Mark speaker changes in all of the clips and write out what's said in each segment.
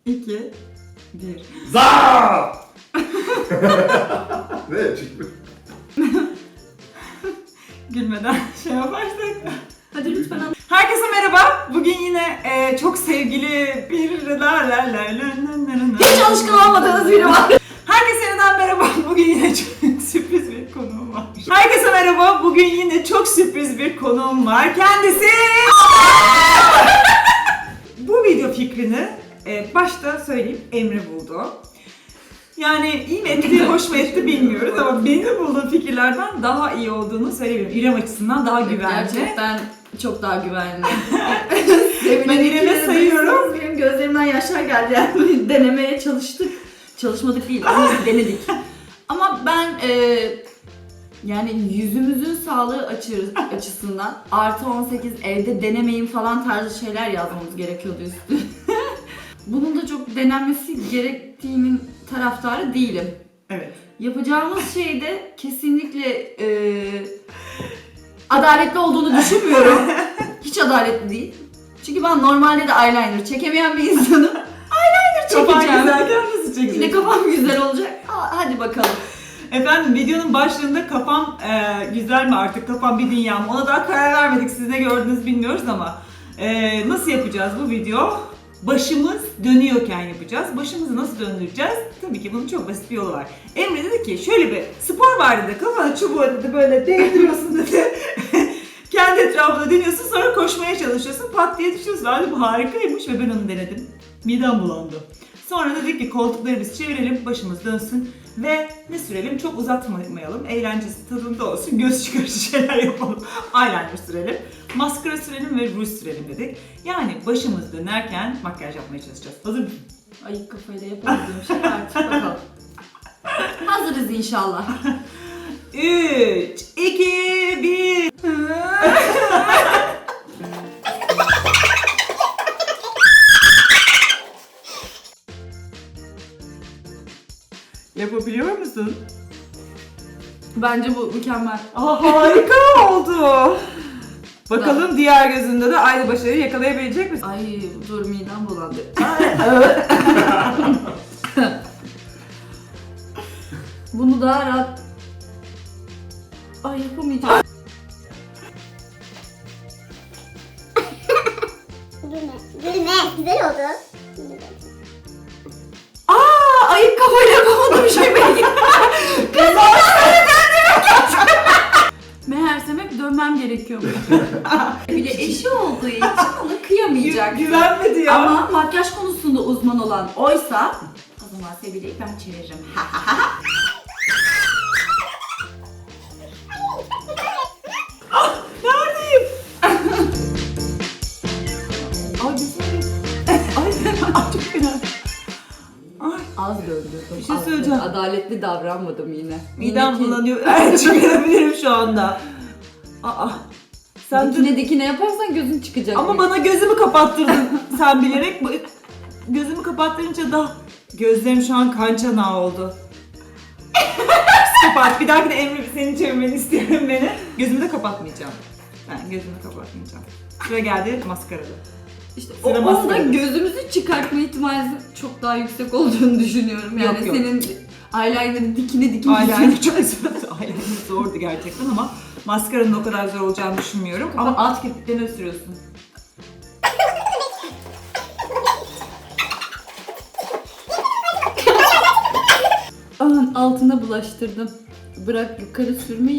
Speaker 1: 2, 1.
Speaker 2: Za! Ne çıktı?
Speaker 1: Gülmeden şey yaparsak.
Speaker 3: Hadi lütfen anlat.
Speaker 1: Herkese merhaba. Bugün yine çok sevgili bir...
Speaker 3: Hiç alışkın olmadığınız biri var.
Speaker 1: Herkese yeniden merhaba. Bugün yine çok sürpriz bir konuğum var. Herkese merhaba. Bugün yine çok sürpriz bir konuğum var. Kendisi... Bu video fikrini başta söyleyeyim Emre buldu. Yani iyi mi etti, hoş mu etti bilmiyoruz ama benim bulduğum fikirlerden daha iyi olduğunu söyleyebilirim. İrem açısından daha güvenli.
Speaker 3: Gerçekten çok daha güvenli.
Speaker 1: Ben İrem'e sayıyorum.
Speaker 3: Benim gözlerimden yaşlar geldi yani. Denemeye çalıştık. Çalışmadık değil ama denedik. Ama ben yani yüzümüzün sağlığı açısından artı 18 evde denemeyin falan tarzı şeyler yazmamız gerekiyordu üstüne. Bunun da çok denenmesi gerektiğinin taraftarı değilim.
Speaker 1: Evet.
Speaker 3: Yapacağımız şeyde kesinlikle adaletli olduğunu düşünmüyorum. Hiç adaletli değil. Çünkü ben normalde de eyeliner çekemeyen bir insanım. Eyeliner
Speaker 1: Kafan
Speaker 3: çekeceğim.
Speaker 1: güzelken nasıl
Speaker 3: Yine
Speaker 1: çekeceksin?
Speaker 3: kafam güzel olacak. Hadi bakalım.
Speaker 1: Efendim videonun başlığında kafam güzel mi artık, kafam bir dünya mı? Ona daha karar vermedik. Siz ne gördünüz bilmiyoruz ama nasıl yapacağız bu video? Başımız dönüyorken yapacağız. Başımızı nasıl döndüreceğiz? Tabii ki bunun çok basit bir yolu var. Emre dedi ki şöyle bir spor var dedi. Kafana çubuğu dedi böyle değdiriyorsun dedi. Kendi etrafında dönüyorsun sonra koşmaya çalışıyorsun. Pat diye düşüyorsun. Halbuki bu harikaymış ve ben onu denedim. Midem bulandı. Sonra dedik ki koltukları biz çevirelim, başımız dönsün ve ne sürelim? Çok uzatmayalım, eğlencesi tadında olsun, göz çıkarıcı şeyler yapalım. Eyeliner sürelim, maskara sürelim ve ruj sürelim dedik. Yani başımız dönerken makyaj yapmaya çalışacağız. Hazır mısın?
Speaker 3: Ayık kafayla yapamadığım şey artık bakalım. Hazırız inşallah.
Speaker 1: 3, 2, 1. Yapabiliyor musun?
Speaker 3: Bence bu mükemmel.
Speaker 1: Harika oldu. Bakalım diğer gözünde de aynı başarıyı yakalayabilecek misin?
Speaker 3: Ay dur midem bulandı. Bunu daha rahat... Ay yapamayacağım.
Speaker 4: Gülme. Güzel oldu.
Speaker 3: Ayık kafayla yapamadığım şey belki. Meğersem hep dönmem gerekiyormuş. Bir de eşi olduğu için ona kıyamayacak.
Speaker 1: Güvenmedi ya.
Speaker 3: Ama makyaj konusunda uzman olan oysa o zaman Sevile'yi ben çeviririm.
Speaker 1: Neredeyim? Ay güzel. Ay çok fena. Ay
Speaker 3: Az döndü.
Speaker 1: Bir şey söyleyeceğim.
Speaker 3: Adaletli davranmadım yine.
Speaker 1: midem bulanıyor. Evet çıkarabilirim şu anda. Aa. Sen de...
Speaker 3: Dikine yaparsan gözün çıkacak.
Speaker 1: Ama bana gözümü kapattırdın sen bilerek. Gözümü kapattırınca da gözlerim şu an kan çanağı oldu. Kapat. Bir dahaki de Emre senin çevirmeni istiyorum beni. Gözümü de kapatmayacağım. Ben gözümü kapatmayacağım. Sıra geldi maskarada.
Speaker 3: İşte
Speaker 1: Sıra
Speaker 3: onda
Speaker 1: maskarada.
Speaker 3: gözümüzü çıkartma ihtimali çok daha yüksek olduğunu düşünüyorum. Yani
Speaker 1: Yok.
Speaker 3: senin eyeliner'ı dikine
Speaker 1: Eyeliner çok zor. Eyeliner zordu gerçekten ama maskaranın o kadar zor olacağını düşünmüyorum. Ama alt kirpiklerine sürüyorsun.
Speaker 3: Aman altına bulaştırdım. Bırak yukarı sürmeyi.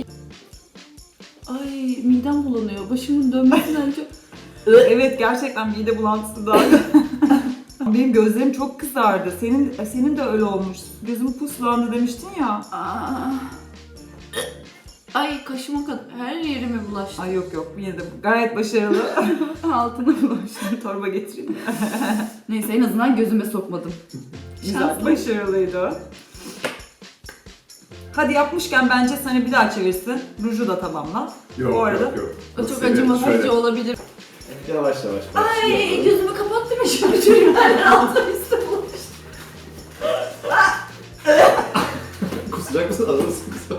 Speaker 3: Ay midem bulanıyor. Başımın dönmesinden çok...
Speaker 1: Evet gerçekten mide bulantısı daha. Benim gözlerim çok kızardı. Senin de öyle olmuş. Gözüm puslandı demiştin ya.
Speaker 3: Aa. Ay kaşıma kadar her yerime bulaştı.
Speaker 1: Ay yok yine de gayet başarılı.
Speaker 3: Altına bulaştı.
Speaker 1: Torba getireyim.
Speaker 3: Neyse en azından gözüme sokmadım.
Speaker 1: Güzel,
Speaker 3: Şanslı.
Speaker 1: başarılıydı. Hadi yapmışken bence seni bir daha çevirsin. Ruju da tamamla.
Speaker 2: Yok
Speaker 1: Bu arada
Speaker 2: yok.
Speaker 3: O çok acımasızca olabilir.
Speaker 2: Yavaş yavaş.
Speaker 3: Ay gözümü kapattım ya şimdi çürümlerden altına üstü bulaştı.
Speaker 2: Kusacak mısın? Alırsın kısa.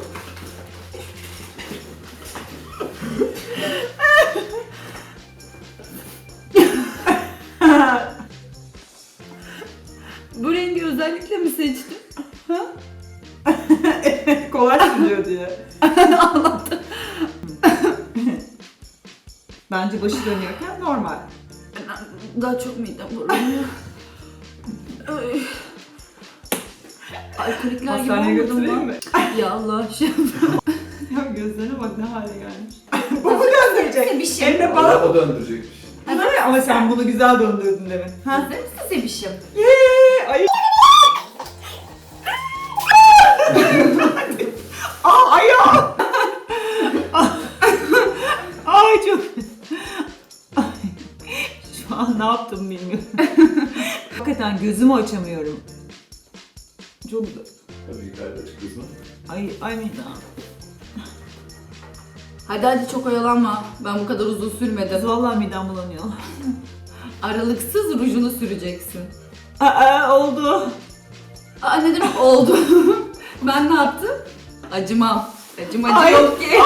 Speaker 3: Bu rengi özellikle mi seçtin?
Speaker 1: Kolay sürüyor diye.
Speaker 3: Allah'tan.
Speaker 1: Bence başı dönüyorken normal.
Speaker 3: Daha çok midem bulanıyor. Ay. Alkolikler gibi
Speaker 1: Hastaneye
Speaker 3: olmadım
Speaker 1: götüreyim
Speaker 3: lan.
Speaker 1: mi?
Speaker 3: Ya Allah şey.
Speaker 1: Ya gözlerine bak ne hale gelmiş.
Speaker 3: Bu mu döndürecek? Bir şey.
Speaker 1: Hem de
Speaker 2: Bana
Speaker 1: bana.
Speaker 2: o döndürecekmiş.
Speaker 1: Ama sen bunu güzel döndürdün demin.
Speaker 3: Hazır mısın Sebişim?
Speaker 1: Yeee! Ay. Aa ayağım! Ay çok... Ay. Şu an ne yaptım bilmiyorum. Hakikaten gözümü açamıyorum. Çok...
Speaker 2: Tabii yukarıda çıkıyorsun.
Speaker 1: Ay midem.
Speaker 3: Hadi çok oyalanma. Ben bu kadar uzun sürmedim.
Speaker 1: Vallahi midem bulanıyor.
Speaker 3: Aralıksız rujunu süreceksin.
Speaker 1: Oldu.
Speaker 3: Aa ne demek oldu? Ben ne yaptım? Acımam. Acımacı
Speaker 1: Ay.
Speaker 3: yok ki.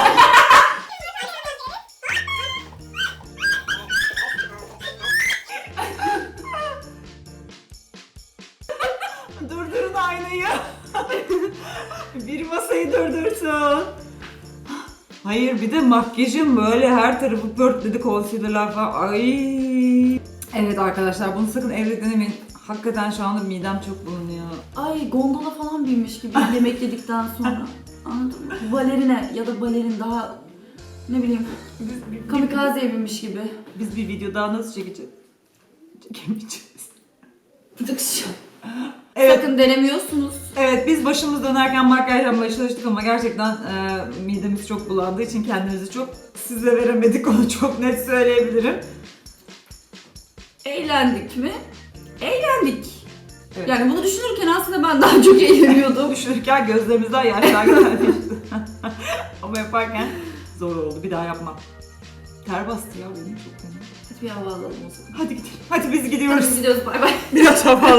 Speaker 1: Durdurun aynayı. Bir masayı durdursun. Hayır bir de makyajım böyle her tarafı pörtledi, concealer'lar falan. Ay. Evet arkadaşlar bunu sakın evde denemeyin. Hakikaten şu anda midem çok bulunuyor.
Speaker 3: Ay gondola falan binmiş gibi yemek yedikten sonra. Anladın mı? Balerine ya da balerin daha ne bileyim kamikazeye binmiş gibi.
Speaker 1: Biz bir video daha nasıl çekeceğiz? Çekemeyeceğiz.
Speaker 3: Tıkış.
Speaker 1: Evet.
Speaker 3: Sakın denemiyorsunuz.
Speaker 1: Evet biz başımız dönerken makyaj yapmaya çalıştık ama gerçekten midemiz çok bulandığı için kendimizi çok size veremedik, onu çok net söyleyebilirim.
Speaker 3: Eğlendik mi? Eğlendik.
Speaker 1: Evet.
Speaker 3: Yani bunu düşünürken aslında ben daha çok eğleniyordum.
Speaker 1: Düşünürken gözlerimizden yaşlar geldi. Ama yaparken zor oldu, bir daha yapmam. Ter bastı ya benim çok fena.
Speaker 3: Hadi bir hava alalım o zaman.
Speaker 1: Hadi gidelim, hadi biz gidiyoruz.
Speaker 3: Hadi gidiyoruz bay bay.
Speaker 1: Biraz hava